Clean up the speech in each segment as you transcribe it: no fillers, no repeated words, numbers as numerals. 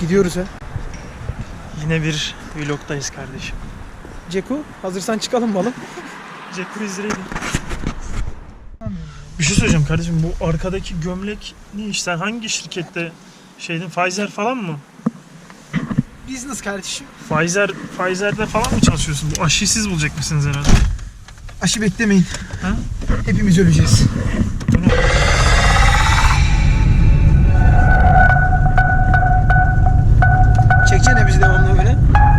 Gidiyoruz ha. Yine bir vlogdayız kardeşim. Ceku, hazırsan çıkalım balım. Ceku izleyelim. Bir şey söyleyeceğim kardeşim, bu arkadaki gömlek ne iş? Sen hangi şirkette Pfizer falan mı? Business kardeşim. Pfizer'de falan mı çalışıyorsun? Bu aşıyı siz bulacak mısınız herhalde? Aşı beklemeyin. Ha? Hepimiz öleceğiz. Bu ne? Çeksene bizi devamlı böyle.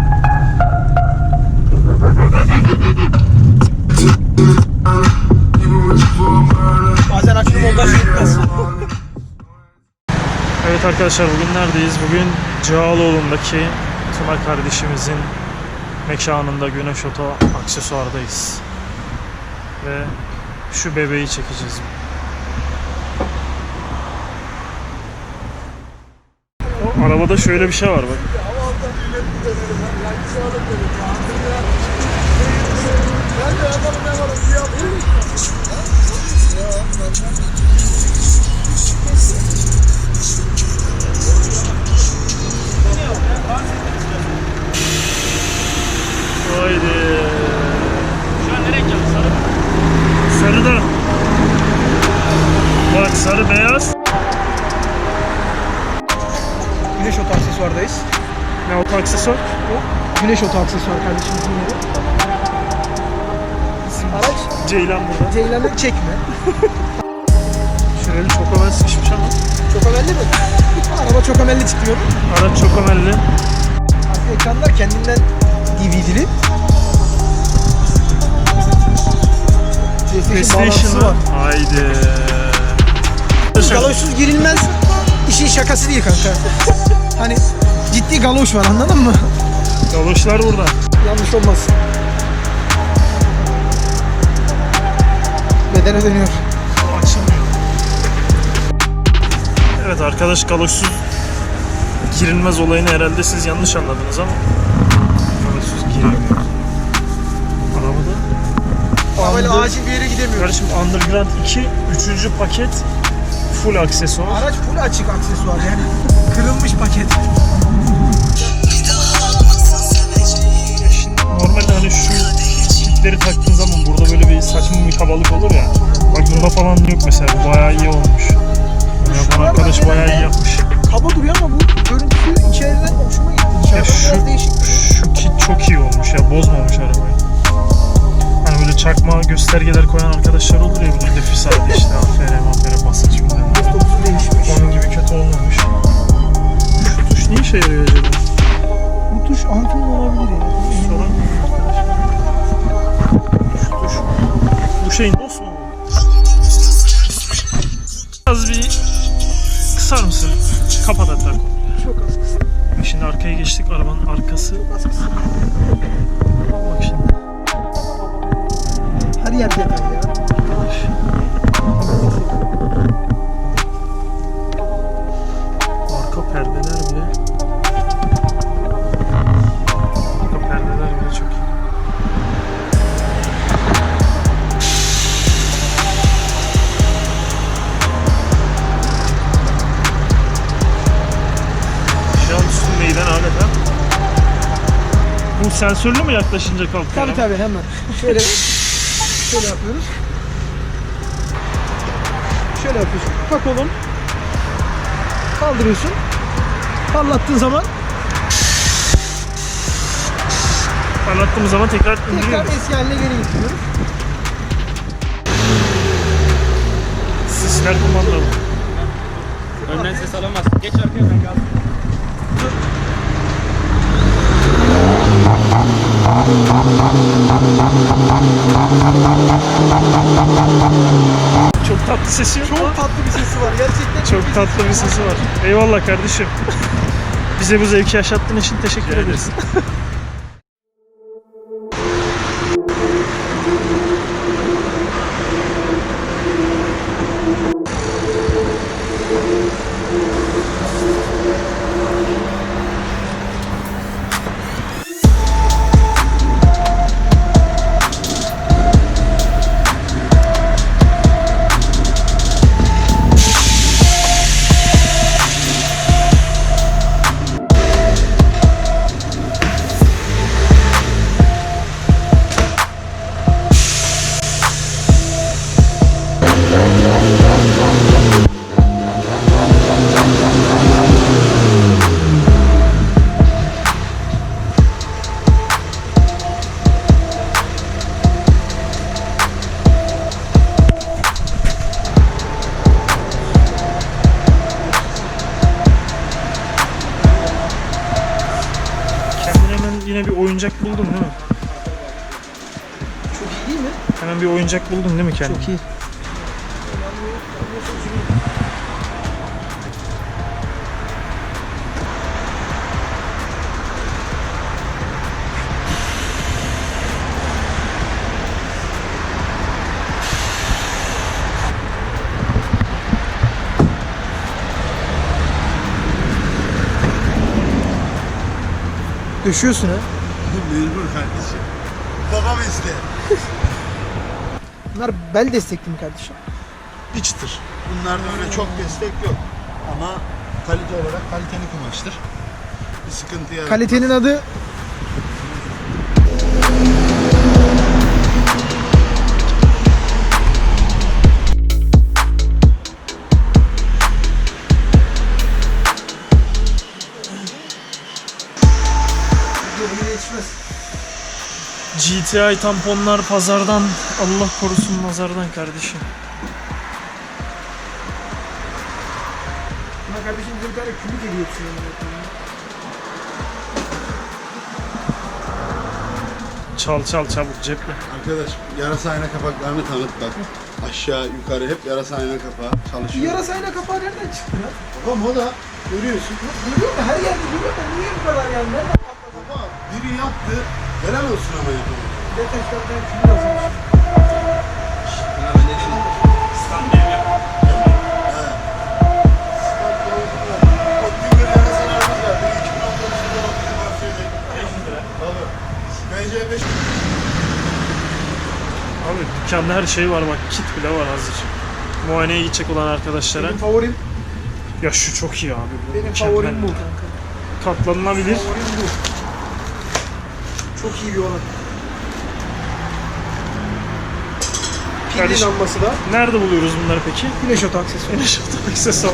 Bazen açtığım montaj yetmez. Evet arkadaşlar, bugün neredeyiz? Bugün Cağaloğlu'ndaki Tuna kardeşimizin mekanında Güneş Oto Aksesuar'dayız. Ve şu bebeği çekeceğiz. O arabada şöyle bir şey var bak. Haydi. Şu an ne renk yaptı? Sarı mı? Sarı da. Bak sarı beyaz. Güneş Oto Aksesuar'dayız. Ne oto aksesuar? Güneş Oto Aksesuar kardeşimizin yeri. Araç Ceylan burada. Ceylan'ı çekme. Şureli çok haber sıkışmış ama. Çok amelli mi? Araba çok amelli çıkıyor. Araç çok amelli. Arka ekranlar kendinden DVD'li. PlayStation PlayStation var. Haydi. Galoşsuz girilmez. İşin şakası değil kanka. Hani ciddi galoş var, anladın mı? Galoşlar burada. Yanlış olmasın. Bedene dönüyor. Açılmıyor. Evet arkadaş, galoşsuz girilmez olayını herhalde siz yanlış anladınız ama galoşsuz girilmiyor. Arabada. Ama böyle acil bir yere gidemiyoruz. Kardeşim Underground 2 3. paket full aksesuar. Araç full açık aksesuar yani. Kırılmış paket. Şimdi normalde hani şu kitleri taktığın zaman burada böyle bir saçma bir kabalık olur ya. Bak bunda falan yok mesela. Bu bayağı iyi olmuş. Yapan arkadaş bayağı iyi yapmış. Kaba duruyor ama bu görüntüsü içeriden hoşuma gitti. Ya Dışarıdan biraz değişik. şu kit çok iyi olmuş ya. Bozmamış arabayı. Hani böyle çakma göstergeler koyan arkadaşlar olur ya, böyle defis aldı işte AFR basınç bilmem. Dokusu değişmiş. Onun gibi kötü olmamış. Şu tuş ne işe yarıyor acaba? Bu tuş antin olabilir ya. Soran şu tuş. Bu şeyin DOS mu? Az bir kısar mısın? Kapat hatta. Çok az kısa. Şimdi arkaya geçtik, arabanın arkası. Az kısa. Bak şimdi. Her yer detay ya. Arka perdeler bile. Arka perdeler bile çok iyi. Şu an üstündeyden adeta. Bu sensörlü mü yaklaşınca kalkıyor? Tabii tabii, hemen. Şöyle yapıyoruz. Şöyle yapıyorsun. Bak oğlum. Kaldırıyorsun. Parlattığın zaman Anlattığımız zaman tekrar indiriyor. tekrar eski haline geri getiriyoruz. Sisler kumandalı. Önden ses alamaz. Geç arkaya, ben kaldım. Çok tatlı sesi yok mu? Çok tatlı bir sesi var. Gerçekten Çok tatlı bir sesi var. Eyvallah kardeşim. Bize bu zevki yaşattığın için teşekkür ederiz. yine bir oyuncak buldun değil mi? Çok iyi değil mi? Hemen bir oyuncak buldun değil mi kendine? Çok iyi. Düşüyorsun ha. Mecbur kardeşim. Babam iste. Bunlar bel destekli mi kardeşim? Bir çıtır. Bunlarda öyle çok destek yok. Ama kalite olarak kaliteli kumaştır. Bir sıkıntı yaratmaz. Kalitenin adı yetişmez. GTI tamponlar pazardan, Allah korusun nazardan kardeşim. Buna kardeşim bize bir tane kübük hediye etsin. Çal çabuk ceple. Arkadaş yarasa ayna kapaklarını tanıt bak. Aşağı yukarı hep yarasa ayna kapağı Şu çalışıyor. yarasa ayna kapağı nereden çıktı lan? Babam o da görüyorsun. Görüyor da her yerde görüyor da niye bu kadar yani? Nereden patladı? Baba biri yaptı. Helal olsun ama yapamadı. Detektörden kübük almış. O Tünger yarasalarımız vardı. 2019'da o bizim bahçede. 500 lira. Tabii. BC5 Abi dükkanda her şey var bak, kit bile var hazır. Muayeneye gidecek olan arkadaşlara. Benim favorim, Ya şu çok iyi abi. Bu benim mükemmel. favorim bu kanka. Katlanılabilir. Favorim bu. Çok iyi bir olan. Pilli Kardeşim. lambası da. Nerede buluyoruz bunları peki? Güneş otu aksesuarı. Güneş aksesuar.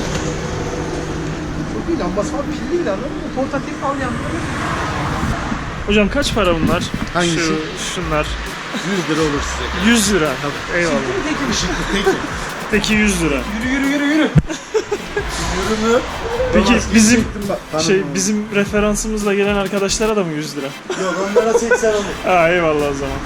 Çok iyi lambası var. Pilli anladın mı? Portatif al yanları. Hocam kaç para bunlar? Hangisi? Şunlar. 100 lira olur size. 100 lira. Eyvallah. Peki. Peki 100 lira. Yürü. Ürünü. Peki bizim Tanıdım. bizim referansımızla gelen arkadaşlara da mı 100 lira? Yok onlara 80 olur. Ha eyvallah o zaman.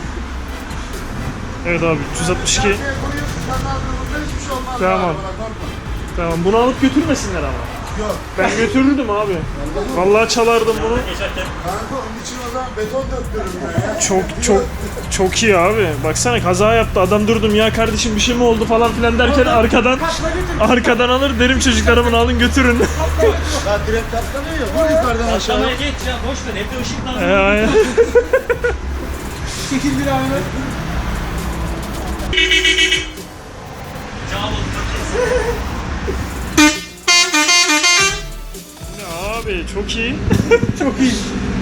Evet abi 362. Koyuyorsun kanalda burada hiçbir şey olmaz. Tamam. Bana korkma. Tamam bunu alıp götürmesinler ama. Yok. Ben götürürdüm abi. Vallahi çalardım bunu. Kanka onun için o zaman beton döktürürüm ben ya. Çok iyi abi. Baksana kaza yaptı. Adam durdum ya kardeşim bir şey mi oldu falan filan derken arkadan alır derim çocuklara bunu alın götürün. Ya direkt katlanıyor ya. Vur yukarıdan aşağı. Aşağıya geç ya boş ver evde ışık lazım. Aynen. Çekil bir ayna. Ya abi çok iyi. Çok iyi.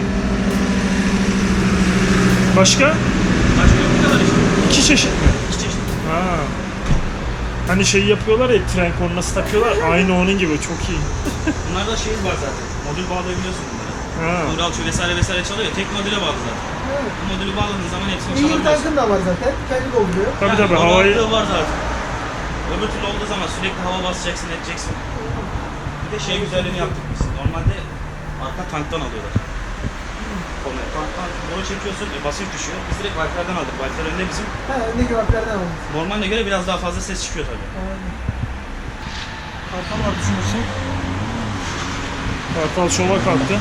Başka? Başka yok bu kadar işte. 2 çeşit mi? İki çeşit. Ha. Hani şey yapıyorlar ya tren kornası takıyorlar. Aynı onun gibi çok iyi. Bunlarda şey var zaten. Modül bağlayabiliyorsun bunlara. Ha. Uralçı vesaire çalıyor ya. Tek modüle bağlı zaten. Bu modülü bağladığın zaman hepsini Air çalabiliyorsun. tankın da var zaten. Kendi dolduruyor. Tabii o havayı mantığı var zaten. Öbür türlü olduğu zaman sürekli hava basacaksın edeceksin. Bir de şey güzelliğini yaptık biz. Normalde arka tanktan alıyorlar. Konuyu. Tanktan boru çekiyorsun, basınç düşüyor. Biz direkt valflerden aldık. Valfler önünde bizim. Ha, ne göbeklerden almış. Normalde göre biraz daha fazla ses çıkıyor tabii. Aynen. Arkan var düşünürsün. Kartal şova kalktı.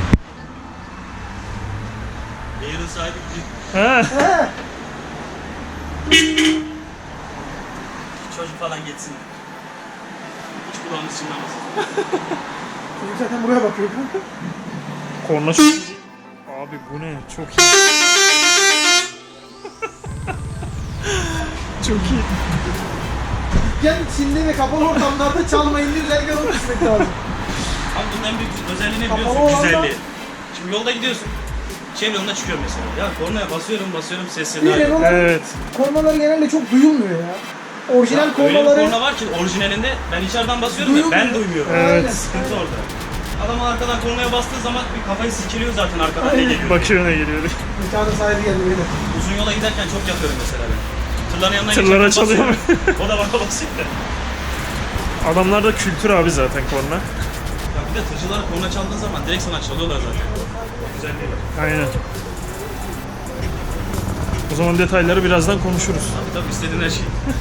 Air'ın sahibi büyük. He. Çocuk falan geçsin. Hiç kulağımız çınlamasın. Çocuk zaten buraya bakıyor. Korna çok iyi. Abi bu ne? Çok iyi. Çok iyi. Dükkan içinde ve kapalı ortamlarda çalmayın diye derken onu düşmek lazım. Ama bunun en büyük özelliği ne Kapalı biliyorsun? olanda- Güzelliği. Şimdi yolda gidiyorsun. Çevre yoluna çıkıyor mesela. Ya kornaya basıyorum ses Bir seda yok. Renault'un Evet. kornaları genelde çok duyulmuyor ya. Orijinal Öyle bir kornaları... korna var ki orijinalinde ben içeriden basıyorum ya ben duymuyorum. Evet. Sıkıntı orada. Adam arkadan kornaya bastığı zaman bir kafayı sikiliyor zaten arkadan ne Aynen. geliyor. Bakıyor ne geliyor. Mekanın sahibi geldi böyle. Uzun yola giderken çok yapıyorum mesela ben. Tırların yanına Tırlara geçerken çalıyor. basıyorum. O da bana basıyor. Adamlarda kültür abi zaten korna. Ya bir de tırcılar korna çaldığı zaman direkt sana çalıyorlar zaten. güzelliği var. Aynen. O zaman detayları birazdan konuşuruz. Tabii istediğin her şey.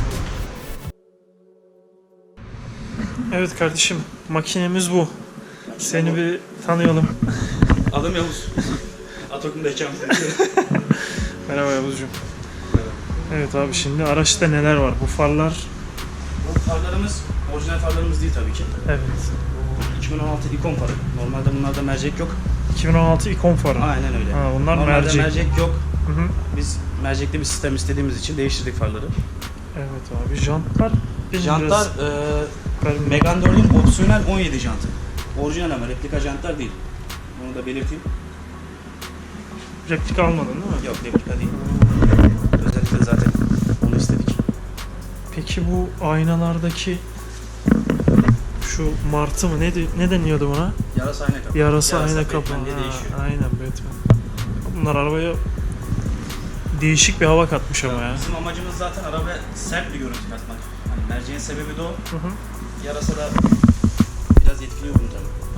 Evet kardeşim, makinemiz bu. Seni bir tanıyalım. Adım Yavuz. Atakum'da hekam. Merhaba Yavuzcuğum. Evet abi, şimdi araçta neler var? Bu farlar... Bu farlarımız orijinal farlarımız değil tabii ki. Evet. 2016 ikon farı. Normalde bunlarda mercek yok. 2016 ikon farı. Aynen öyle. Ha, bunlar Normalde mercek. yok. Hı hı. Biz mercekli bir sistem istediğimiz için değiştirdik farları. Evet abi, jantlar... Jantlar biraz... Megane 4'ün opsiyonel 17 jantı. Orijinal ama replika jantlar değil. Bunu da belirteyim. Replika almadın değil mi? Yok, replika değil. Özellikle zaten onu istedik. Peki bu aynalardaki şu martı mı? Ne deniyordu buna? Yarasa ayna kapı. Yarasa ayna kapı. Batman diye değişiyor. Aynen, Batman. Bunlar arabaya değişik bir hava katmış ama ya. Bizim amacımız zaten arabaya sert bir görüntü katmak. Hani merceğin sebebi de o. Hı hı. Yarasa da biraz etkiliyor bunu tabii.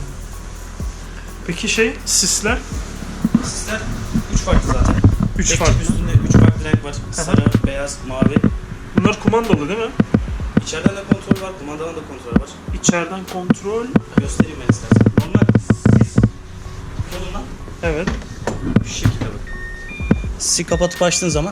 Peki sisler? Sisler 3 farklı zaten. 3 Tek farklı. çift üstünde 3 farklı renk var. Sarı, beyaz, mavi. Bunlar kumandalı değil mi? İçeriden de kontrol var, kumandadan da kontrol var. İçeriden kontrol. Göstereyim ben istersen. Normal sis kolundan Evet. şu şekilde bak. Sisi kapatıp açtığın zaman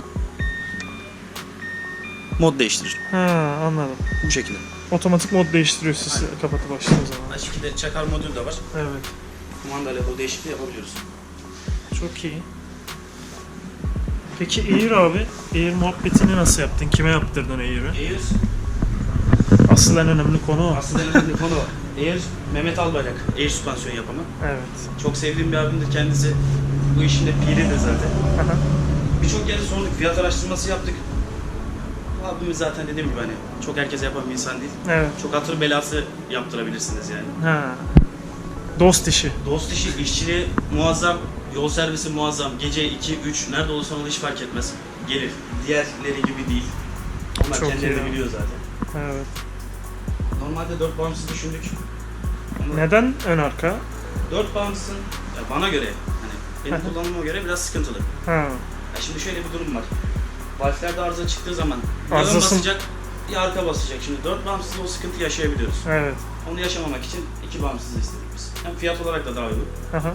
mod değiştirir. Ha, anladım. Bu şekilde. Otomatik mod değiştiriyor sisi Aynen. kapatıp açtığın zaman. Aynı şekilde çakar modül de var. Evet. Kumandayla bu değişikliği yapabiliyoruz. Çok iyi. Peki Air abi, Air muhabbetini nasıl yaptın? Kime yaptırdın Air'i? Air, Asıl en önemli konu o. aslında en önemli konu o. Air, Mehmet Albayrak, Air süspansiyon yapımı. Evet. Çok sevdiğim bir abimdir kendisi. Bu işin de piridir zaten. Aha. Birçok yerde sorduk, fiyat araştırması yaptık. Abimiz zaten dediğim gibi hani çok herkes yapan bir insan değil. Evet. Çok hatır belası yaptırabilirsiniz yani. Ha. Dost işi. Dost işi, işçiliği muazzam, yol servisi muazzam. Gece 2, 3, nerede olursan ol hiç fark etmez. Gelir. Diğerleri gibi değil. Onlar Çok kendileri iyi. de biliyor zaten. Evet. Normalde 4 bağımsız düşündük. Ama Neden ön arka? 4 bağımsızın ya bana göre, hani benim kullanımıma göre biraz sıkıntılı. Ha. Ya şimdi şöyle bir durum var. Valflerde arıza çıktığı zaman ya ön Arızasın- basacak ya arka basacak. Şimdi 4 bağımsızda o sıkıntı yaşayabiliyoruz. Evet. Onu yaşamamak için 2 bağımsızı istedik biz. Hem fiyat olarak da daha uygun. Aha.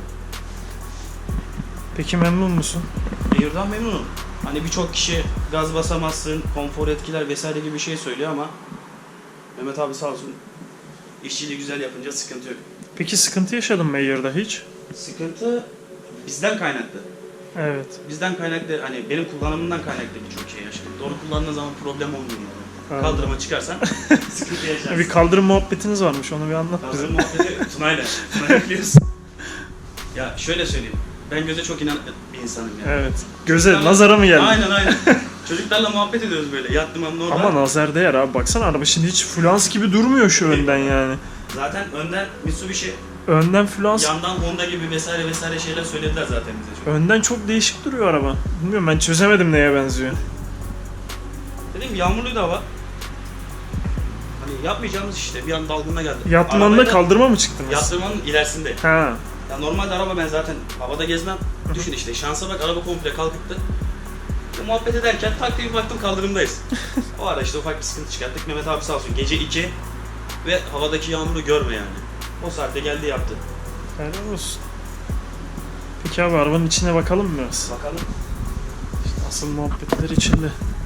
Peki memnun musun? Air'dan memnunum. Hani birçok kişi gaz basamazsın, konfor etkiler vesaire gibi bir şey söylüyor ama Mehmet abi sağ olsun işçiliği güzel yapınca sıkıntı yok. Peki sıkıntı yaşadın mı Air'da hiç? Sıkıntı bizden kaynaklı. Evet. Bizden kaynaklı, hani benim kullanımımdan kaynaklı birçok şey yaşadım. Doğru kullandığın zaman problem olmuyor yani. Anladım. Kaldırıma çıkarsan sıkıntı yaşarsın. Bir kaldırım muhabbetiniz varmış, onu bir anlat bize. Kaldırım muhabbeti Tuna'yla. Tuna'yla biliyorsun. Ya şöyle söyleyeyim. Ben göze çok inanık bir insanım yani. Evet. Göze, Çocuklarla- nazara mı geldi? Aynen. Çocuklarla muhabbet ediyoruz böyle. Yattım ama normal. Ama nazar değer abi, baksana araba şimdi hiç flans gibi durmuyor şu önden yani. Zaten önden Mitsubishi, Önden flans, yandan Honda gibi vesaire şeyler söylediler zaten bize çok. önden çok değişik duruyor araba. Bilmiyorum, ben çözemedim neye benziyor. Dediğim gibi yağmurluydu hava. Hani yapmayacağımız işte bir an dalgınına geldi. Yatmanda Arabayı da kaldırma mı çıktınız? Yatırmanın ilerisinde. Ha. Ya normalde araba ben zaten havada gezmem. Düşün işte şansa bak araba komple kalkıktı. Muhabbet ederken tak diye bir baktım kaldırımdayız. O ara işte ufak bir sıkıntı çıkarttık. Mehmet abi sağ olsun gece 2 ve havadaki yağmuru görme yani. O saatte geldi yaptı. Helal olsun. Peki abi, arabanın içine bakalım mı biraz? Bakalım. İşte asıl muhabbetler içinde.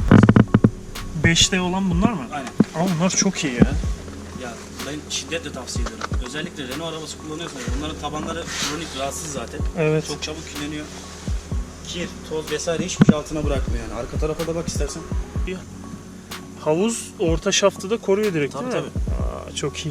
5D olan bunlar mı? Aynen. Ama bunlar çok iyi ya. Ya ben şiddetle tavsiye ederim. Özellikle Renault arabası kullanıyorsanız onların tabanları kronik rahatsız zaten. Evet. Çok çabuk kirleniyor. Kir, toz vesaire hiçbir şey altına bırakmıyor yani. Arka tarafa da bak istersen. Havuz orta şaftı da koruyor direkt Tabii, değil mi? Aa, çok iyi.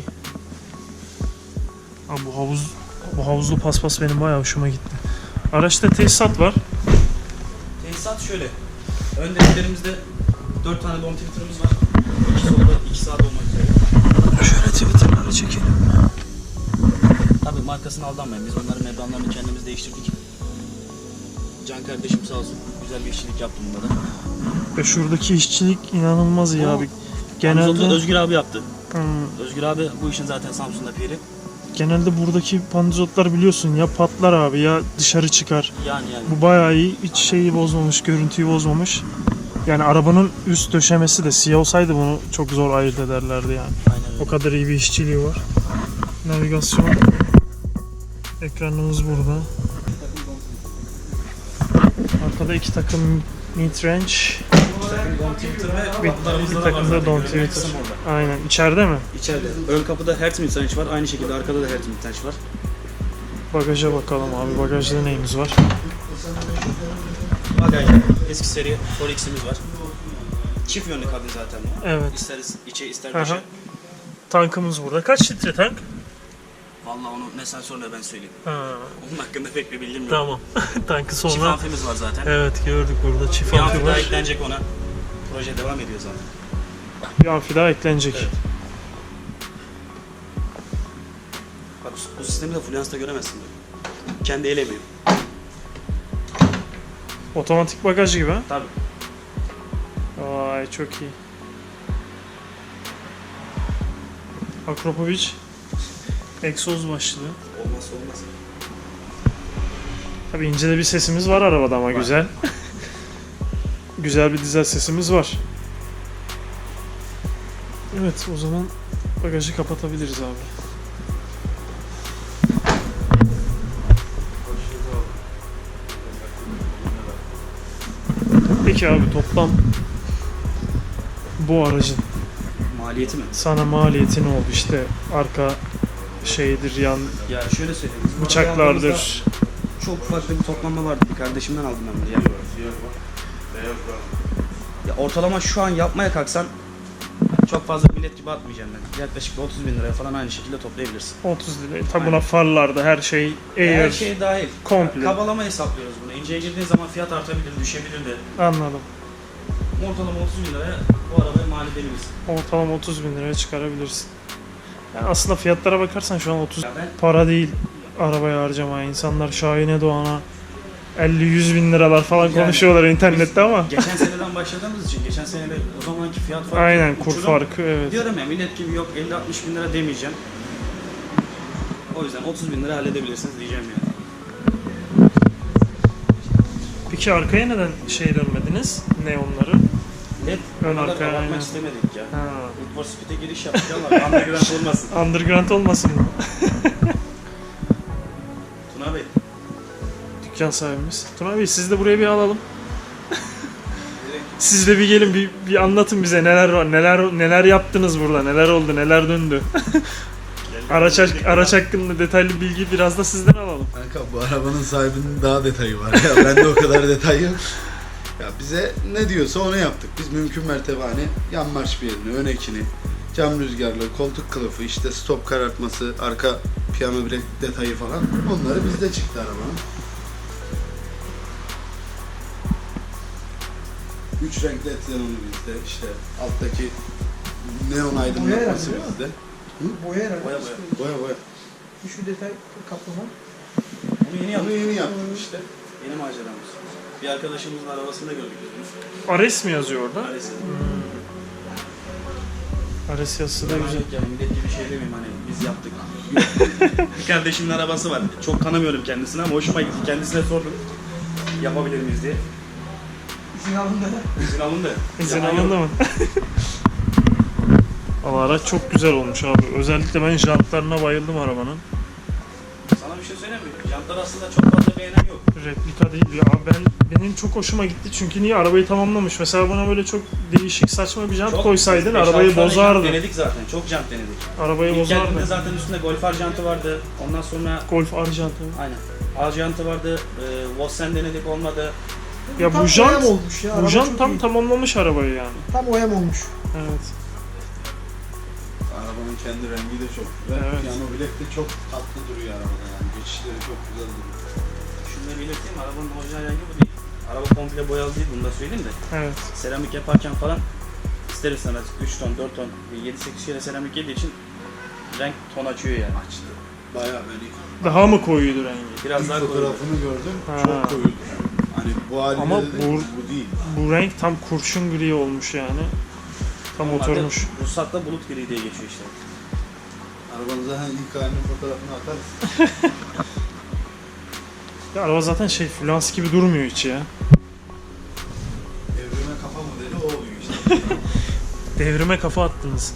Abi bu havuzlu paspas benim bayağı hoşuma gitti. Araçta tesisat var. Tesisat şöyle. Ön deliklerimizde 4 tane dom twitter'ımız var. 2 solda 2 sağda olmak üzere. Şöyle Twitter'ları çekelim. Tabii markasını aldanmayın. Biz onların membranlarını kendimiz değiştirdik. Can kardeşim sağ olsun güzel bir işçilik yaptı bunda da. Ve şuradaki işçilik inanılmaz iyi O abi. Genelde... Özgür abi yaptı. Hmm, Özgür abi bu işin zaten Samsun'da piri. Genelde buradaki pandizotlar biliyorsun ya patlar abi ya dışarı çıkar. Yani. Bu bayağı iyi. Hiç şeyi bozmamış, görüntüyü bozmamış. Yani arabanın üst döşemesi de siyah olsaydı bunu çok zor ayırt ederlerdi yani. Aynen öyle. O kadar iyi bir işçiliği var. Navigasyon. Ekranımız burada. Arkada 2 takım mid-range. Don't Twitter ve Bir takım da Don't Twitter. Aynen. İçeride mi? İçeride. Ön kapıda Hertz Mitrange var. Aynı şekilde arkada da Hertz Mitrange var. Bagaja bakalım abi. Bagajda neyimiz var? Bagajda eski seri Forex'imiz var. Çift yönlü kabin zaten bu. Evet. İster içe ister Aha. dışı. Tankımız burada. Kaç litre tank? Vallahi onu ne sen sor ne ben söyleyeyim. Ha, Onun hakkında pek bir bilgim yok. tamam. Tankı Çift sonra. amfimiz var zaten. Evet gördük burada. Çift Bir amfi amfi daha var. eklenecek ona. Proje devam ediyor zaten. Bir amfi daha eklenecek. Evet. Bak bu sistemi de Fluence'da göremezsin böyle. Kendi el emeği. Otomatik bagaj gibi ha. Tabii. Vay çok iyi. Akropovic egzoz başlığı. Olmazsa olmaz. Tabii ince de bir sesimiz var arabada ama Var. güzel. Güzel bir dizel sesimiz var. Evet o zaman bagajı kapatabiliriz abi. Peki abi toplam bu aracın Maliyeti mi? sana maliyeti ne oldu işte arka şeydir yan Ya şöyle söyleyeyim. biz bıçaklardır. Çok farklı bir toplanma vardı. Bir kardeşimden aldım ben bunu. Yani. Ya ortalama şu an yapmaya kalksan çok fazla millet gibi atmayacağım ben. Yaklaşık 30 bin liraya falan aynı şekilde toplayabilirsin. 30 lira. Tabi buna Aynen. farlarda her şey air. Her şey dahil. komple. Kabalama hesaplıyoruz bunu. İnceye girdiğin zaman fiyat artabilir, düşebilir de. Anladım. Ortalama 30 bin liraya bu arabaya mal edebilirsin. Ortalama 30 bin liraya çıkarabilirsin. Yani aslında fiyatlara bakarsan şu an 30 Ya ben para değil arabaya harcamaya. İnsanlar Şahin'e Doğan'a 50-100 bin liralar falan Yani konuşuyorlar internette ama. geçen seneden başladığımız için geçen sene de o zamanki fiyat farkı Aynen kur uçurum. farkı evet. Diyorum ya millet gibi yok 50-60 bin lira demeyeceğim. O yüzden 30 bin lira halledebilirsiniz diyeceğim yani. Peki arkaya neden şey dönmediniz? Neonları? LED Ön ön arkaya, arkaya aynen. bakmak istemedik ya. Ha. Need for Speed'e giriş yaptık ama underground olmasın. Underground olmasın mı? Tuna Bey. Dükkan sahibimiz. Tuna Bey siz de buraya bir alalım. Siz de bir gelin bir anlatın bize neler var, neler yaptınız burada, neler oldu, neler döndü. Araç hakkında detaylı bilgi biraz da sizden alalım. Kanka bu arabanın sahibinin daha detayı var ya. Bende o kadar detay yok. Ya bize ne diyorsa onu yaptık. Biz mümkün mertebe hani yan marş birini, ön ekini, cam rüzgarlı, koltuk kılıfı, işte stop karartması, arka piyano brek detayı falan. Onları bizde çıktı arabanın. 3 renkli etlenonu bizde, işte alttaki neon aydınlatması Boya bizde. Boya herhalde. Boya. Boya boya. Şu detay kaplama. Bunu yeni Onu yaptık. yeni yaptık işte. Yeni maceramız. Bir arkadaşımızın arabasında gördük biz bunu. Ares mi yazıyor orada? Maalesef. Ares yazısı da Ben güzel. yani millet gibi şey demeyeyim hani biz yaptık. Bir kardeşimin arabası var. Çok tanımıyorum kendisini ama hoşuma gitti. Kendisine sordum. Yapabilir miyiz diye. İzin alındı. İzin alın da. İzin Yalan alındı yok. mı? Valla araç çok güzel olmuş abi. Özellikle ben jantlarına bayıldım arabanın. Sana bir şey söyleyeyim mi? Jantlar aslında çok fazla beğenen yok. Replika değil ya. Benim çok hoşuma gitti çünkü niye arabayı tamamlamış. Mesela buna böyle çok değişik saçma bir jant Çok- koysaydın 5-6 arabayı tane bozardı. Jant denedik zaten. Çok jant denedik. Arabayı İlk geldiğinde bozardı. zaten üstünde Golf R jantı vardı. Ondan sonra Golf R jantı. aynen. A jantı vardı. Vossen denedik olmadı. Ya Tam bu jant, OEM olmuş ya. bu Araba jant çok tam iyi. tamamlamış arabayı yani. Tam OEM olmuş. Evet. Arabanın kendi rengi de çok güzel. Evet. Piyano bilek de çok tatlı duruyor arabada yani. Geçişleri çok güzel duruyor. Şunu da belirteyim, arabanın orijinal rengi bu değil. Araba komple boyalı değil, bunu da söyleyeyim de. Evet. Seramik yaparken falan ister istemez 3 ton, 4 ton, 7-8 kere seramik yediği için renk ton açıyor yani. Açtı. Bayağı beni Daha mı koyuydu rengi? Biraz ilk daha koyu. fotoğrafını gördüm. Ha. Çok koyuydu. Hani bu halinde Ama dedim, bu değil. Bu renk tam kurşun gri olmuş yani. Tam Normalde oturmuş. Ruhsatta bulut gri diye geçiyor işte. Arabanıza hani ilk halinin fotoğrafını atarız. Ya araba zaten şey fluans gibi durmuyor hiç ya. Evrime kafa modeli o oluyor işte. Devrime kafa attınız.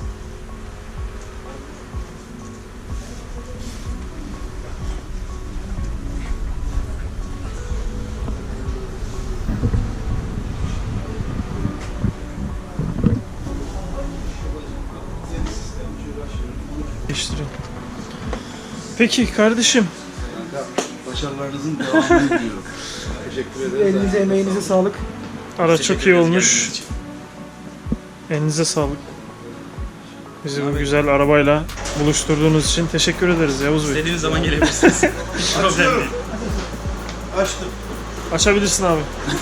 Değiştirin. Peki kardeşim. Kanka başarılarınızın devamını diliyorum. Teşekkür ederiz. Elinize emeğinize sağlık. Araç çok iyi olmuş. Elinize sağlık. Bizi bu güzel arabayla buluşturduğunuz için teşekkür ederiz Yavuz Bey. İstediğiniz zaman gelebilirsiniz. Hiç problem değil. Açtım. Açabilirsin abi.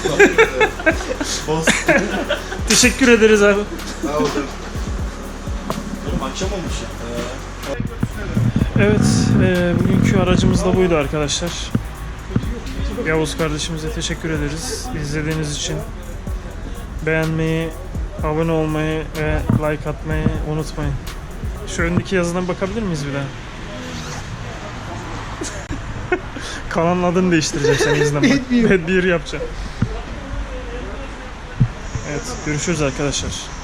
Teşekkür ederiz abi. Sağ olun. Oğlum akşam olmuş ya. Evet, bugünkü aracımız da buydu arkadaşlar. Yavuz kardeşimize teşekkür ederiz izlediğiniz için. Beğenmeyi, abone olmayı ve like atmayı unutmayın. Şu öndeki yazıdan bakabilir miyiz bir daha? Kanalın adını değiştireceğim senin yüzünden bak. Bad Beer. Bad Beer yapacağım. Evet, görüşürüz arkadaşlar.